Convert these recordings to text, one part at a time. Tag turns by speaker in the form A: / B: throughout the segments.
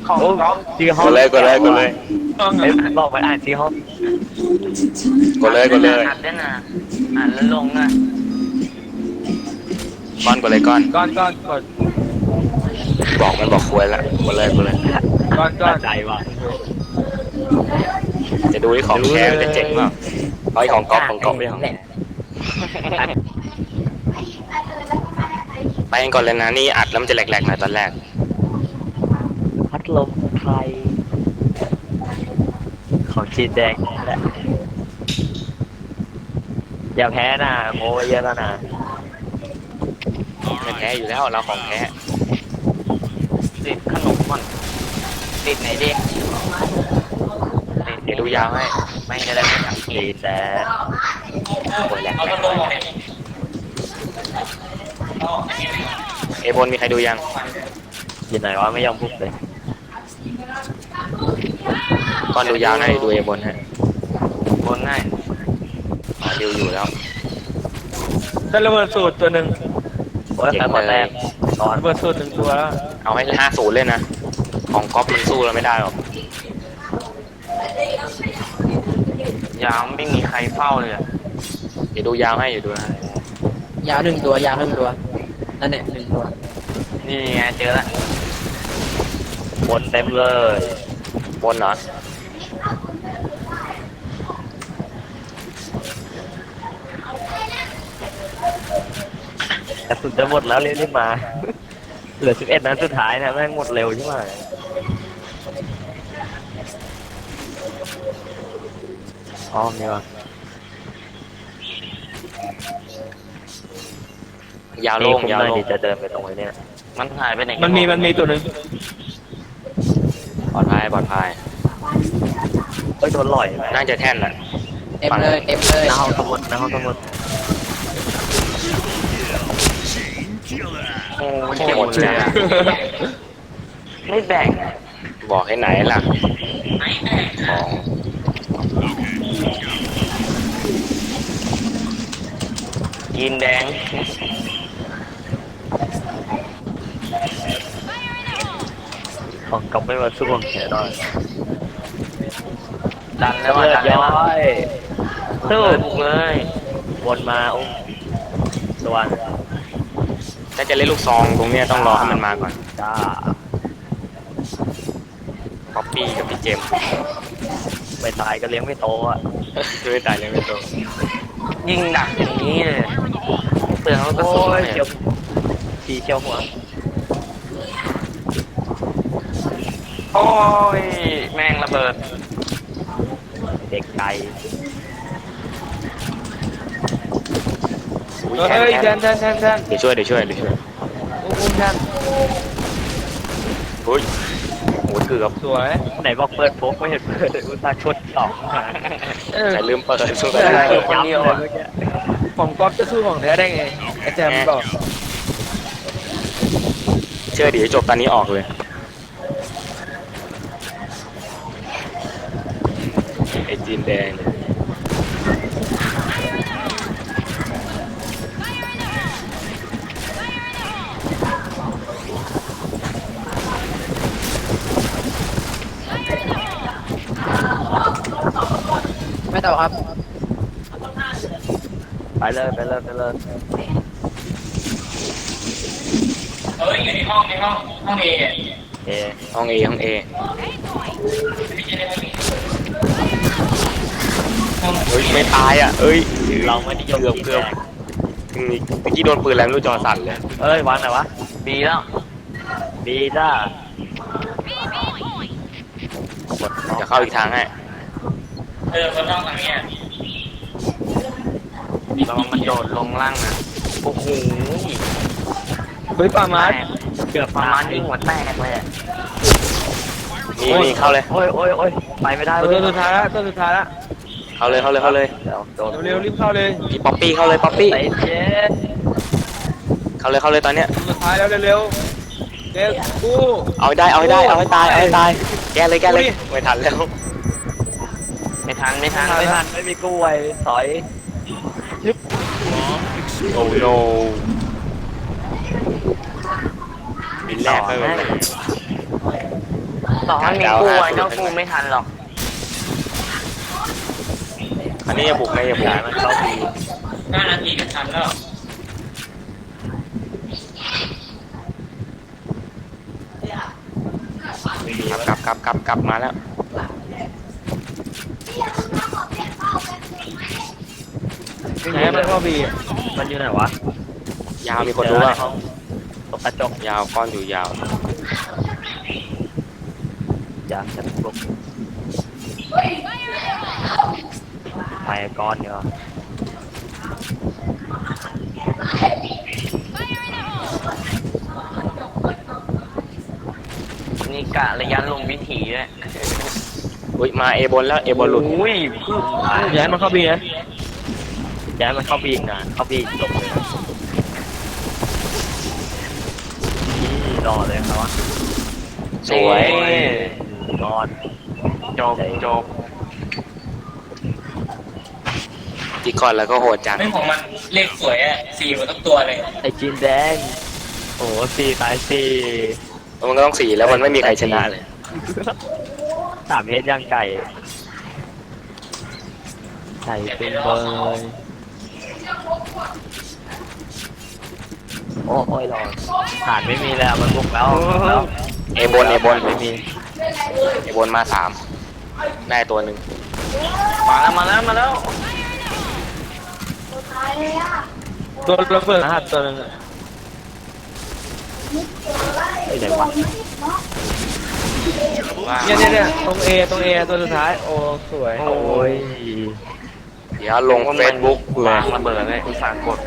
A: ของก๊อฟ
B: ชื่อห้อง
C: กดเลยกดเลยกดเลย
A: ต้อง
B: เอ้ยบอกไปอ่านชื่อห้อง
C: กดเลยกดเลย
D: อัดด้วยนะอ่านแล้วลงนะ
C: ก้อนกดเลยก้อน
A: ก้อนก้อนกด
C: บอกมันบอกควรละกดเลยกดเลย
A: ก้อนก้อน
B: ใจว่ะ
C: จะดูที่ของแท้มันจะเจ๋งเปล่าเอาไอ้ของก๊อฟของก๊อฟไม่ของไปกันก่อนเลยนะนี่อัดแล้วมันจะแหลกๆหน่อยตอนแรก
B: พัดลมไทยของจีนแดงแหละอย่าแพ้นะโมไว้เยอะแล้วนะ
C: ไม่แท้อยู่แล้วเราของแท้
D: ติดขนมก่อนติดไหนดิ
C: เดี๋ยวดูยาวให้
D: แม่งจะได้ไม่สังเก
B: จี
D: ต
B: นแดง
C: โอ้ยแหลกเอบนมีใครดูยัง
B: ยินไหนวะไม่ยอมพูดเลย
C: ก้อนดูยาวให้ดูเอบนให้
D: บนง่าย
C: ดิวอยู่แล้ว
A: ได้ระเบิดสูตรตัวหนึ่ง
B: โอ้ยใครหมดแต้มตอน
A: ระเบิดสูตรหนึ่งตัวแล้ว
C: เอาให้50เลยนะของก๊อฟมันสู้เราไม่ได้หรอก
D: ยาวไม่มีใครเฝ้าเลยอะ
C: เดี๋ยวดูยาวให้อยู่ดูนะ
E: ยาวหนึ่งตัวยาวหนึ่งตัวนั่นแหละหนึ่งตัว
D: นี่ไงเจอละ
B: บนเต็มเลย
C: บนเหรอ
B: กระสุนจะหมดแล้วรีบมา เหลือ11 นัดสุดท้ายนะแม่งหมดเร็วใช่ไหมอ๋อมีวะ
C: ยาวโล่งยาวโล่ง
B: ดีจะเดินไปตรงนี้เนี่ย
D: มันหายไปไหนกั
A: มันมีตัวหนึ่ง
C: ปลอดภัยปลอดภัย
B: เฮ้ยโดนหล่อยไหม
C: น่าจะแท่นแหละ
E: เต็มเลยเต็มเลย
B: หน้าห้องสมุดหน้าห้องสมุด
D: โอ้ย
C: หมดเลยอะ
D: ไม่แบ่ง
C: บอกให้ไหนล่ะของ
D: ยีนแดง
B: ของกลับไม่มาสู้ของแขนหน่อย
D: ดันแล้วว่า
B: เลือ
D: ดั
B: ด
D: นแล้ว
B: ย้
D: ว่า
B: อย
D: สู้เลย
B: วนมาอุ้มตัว
C: ถ้าจะเล่นลูกซองตรงเนี้ยต้องรอให้มันมาก่อน
B: จ้า
C: ป๊อปปี้กับพี่เจมส์
B: ไม่ตายก็เลี้ยงไม่โตอ่ะ
C: ไม่ตายเลยไม่โต
D: ยิงดักอย่างนี้เลยเปลืองแล้วก็
B: โอ้
D: สู้
B: ย
D: เนี่
B: เจีย
D: ยว
B: ทีเชียวหัว
D: โอ้ยแม่งระเบิด
B: เด็กไก่
C: อุ้ย
A: เฮ้ยแท
C: แท่
A: น
C: น
A: แทนแทนแทน
C: เดี๋ยวช่วยเดี๋ยวช่วยเดี๋ยวช่วย
A: อุ้มแทน
C: อุ้ยโอ้ยเกือบ
A: สวย
B: ไหนบอกเปิดโฟกไม่เห็นเปิดเลยอุตส่าห์ชดสองมา
C: แต่ลืมเปิดสู้
A: ใช่
C: ไม่ได้
B: คนเดียวอ่ะ
A: ของก๊อฟจะสู้ของแท้ได้ไงอาจารย์บอก
C: เชื่อเดี๋ยวจบตอนนี้ออกเลยไอ้จีนแดง
E: ไม่ต่อครับ
B: ไปเลยไปเลยไปเลย
D: เฮ้ยอยู่ในห้องห้องเอ
B: เอ
C: ห้องเอห้องเอเฮ้ยไม่ตายอ่ะเอ้ย
B: เราไม่นิยม
C: เกือบเกือบเมื่อกี้โดนปืนแล้วไม่รู้จอสั่นเลย
B: เอ้ยวางไหนวะ
D: ดีแล้ว
B: บีจ้า
C: จะเข้าอีกทางให้
D: คนห้องทางนี้ระวังมันโดดลงล่างนะโอ้โห
A: เฮ้ยปามาร์
B: เกือบ
D: ประมาณนี้หัวแตกเลย
C: นี่นี่เข้าเลย
B: โอ้ยโอ้ยโอ้ยไปไม่ได้
A: ตัว
B: เว้ย
A: สุดท้ายละตัวสุดท้ายละ
C: เข้าเลยเข้าเลยเข้าเลย
B: เดี๋ยวโดน
A: เร็วๆรีบเข้าเลย
C: พี่ป๊อปปี้เข้าเลยป๊อปปี้
B: เตะเจ๊
C: เข้าเลยเข้าเลยตอนเนี้ย
A: ตัวสุดท้ายแล้วเร็วๆเร็วกู
C: เอาให้ได้เอาให้ได้เอาให้ตายเอาให้ตายแกเลยแกเลย
A: อุ้ย
C: ไม่ทันแล้ว
D: ไม่ทันไม่ทัน
B: ไม่ทันไม่มีกู้ไว้ถอย
C: โอ้โนบินแรกไปเลย
D: ต่อให้มีกู้ไว้ก็กู้ไม่ทันหรอก
C: อันนี้อย่าบุกนะอย่าบุก
B: ย้ายมันเข้าบี
E: 5 นาทีก็ทันแล้ว
C: กลับมาแล้ว
A: แพ้มันเข้าบี
B: มันอยู่ไหนวะ
C: ยาวมีคนรู้ว่า
B: ห้องตกกระจก
C: ยาวก้อนอยู่ยาว
B: ยามฉันปลุกไปก้อนเดียว
D: นี่กะระยะลงวิถีด้วย
C: อุ้ยมาเอบนแล้วเอบนหลุด
D: อุ้ย
A: ย้ายมันเข้าบีนะ
B: ย้ายมันเข้าบีอีกนะเข้าบีจบเลยนี่รอเลยครับวะ
C: สวย
B: นอน
D: จบจบ
C: จีก่อนแล้วก็โหดจัง
E: ไม่ของมันเลขสวยอ่ะ4หมดทุกตัวเลย
B: ไอจีนแดงโอ้สี่ตายสี่
C: มันก็ต้อง4แล้วมันไม่มีใครชนะเลย
B: 3 เฮดย่างไก่ไก่เป็นเบยโอ้ยรอฐานไม่มีแล้วมันบุกแล้วแล้ว
C: เอบน
B: ไม่มี
C: เอบนมา3ได้ตัวหนึ่ง
D: มาแล้ว
A: ตัวระเบิดรหัสตัวนึงอะ
B: ไอ้ไหนวะ
A: เนี่ยตรงเอตัวสุดท้ายโอ้สวย
B: โอ้ย
C: เดี๋ยวลงเฟซบุ๊กเล
D: วาย งระเบิดเลยอุตส่าห์กด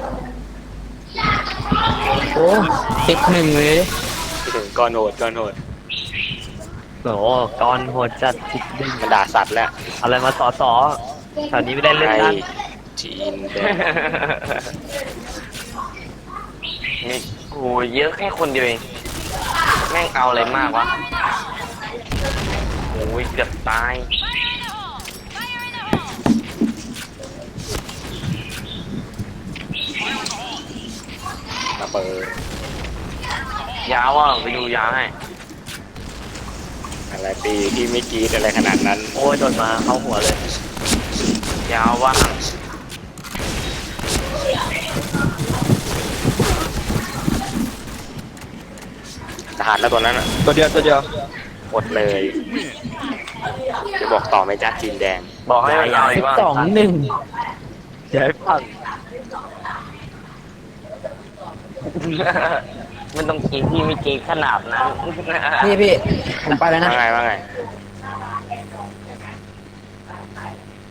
E: โอ้ติด1เลย
C: ที่ถึงก้อนโหด
B: โอ้ก้อนโหดจัดจิกดึง
C: มันด่าสัตว์แล้ว
B: อะไรมาต่อแถวนี้ไม่ได้เล่น
C: ไอ
B: กัน
C: จีนแดง
D: นี่โอ้ยเยอะแค่คนเดียวเองแม่งเอาอะไรมากวะโอ้ยเกือบตาย
C: ระเบิด
D: ยาวอ่ะไปดูยาวให้
C: อะไรปีที่ไม่กรีดอะไรขนาดนั้น
B: โอ้ยโดนมาเข้าหัวเลย
D: ยาวว่าง
C: ทหารแล้วตัวนั้นอ่ะ
A: ตัวเดียว
C: หมดเลยจะบอกต่อไหมจ้าจีนแดง
D: บอกให้มันยาวอีกว่า
B: เดี๋ยวให้ฟัง
D: มันต้องกินที่ไม่กินขนาดนั้น
E: พี่ผมไปแล้วนะ
C: ว่าไง